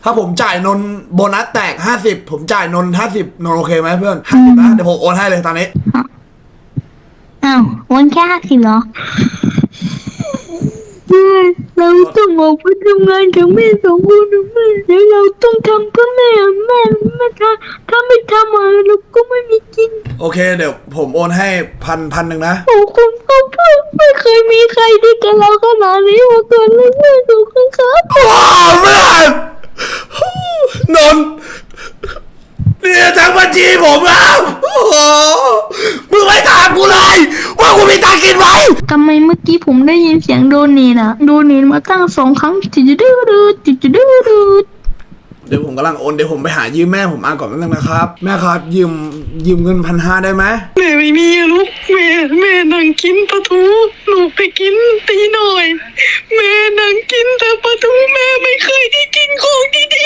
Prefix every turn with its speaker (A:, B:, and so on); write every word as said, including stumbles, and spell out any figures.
A: ถ้าผมจ่ายนนโบนัสแตกห้าสิบผมจ่ายนนห้าสิบนนโอเคไหมเพื่อนห้าสิบนะเดี๋ยวผมโอนให้เลยตอนนี้
B: อ้าววันแค่ห้าสิบเหรอแม่เราต้องออกไปทำงานกับแม่สองคนนะแม่แล้วเราต้องทำเพื่อแม่แม่แม่ถ้าถ้าไม่ทำอะไรเราก็ไม่มีกิน
A: โอเคเดี๋ยวผมโอนให้พันพันหนึ่งนะ
B: โอ้คุณพ่อพ่อไม่เคยมีใครดีกับเราขนาดนี้มาก่อนเลยแม่ดูกันครับ
A: โอ้เพื่อนนนเนี่ยทั้งบัญชีผมแล้วโอ้โหมึงไม่ถามกูเลยว่ากูมีตังค์กินไหม
B: ทำไมเมื่อกี้ผมได้ยินเสียงโดนนีนะโดนนีมาตั้งสองครั้งจิจดื้อดื้อจิจดื้อดื้อ
A: เดี๋ยวผมกำลังโอนเดี๋ยวผมไปหายืมแม่ผมมาก่อนนิดนึงนะครับแม่ครับยืมยืมเงินพันห้าได้ไหม
C: แม่ไม่มีอะลูกแม่แม่นั่งกินปลาทูลูกไปกินตีหน่อยแม่นั่งกินแต่ปลาทูแม่ไม่เคยได้กินของดี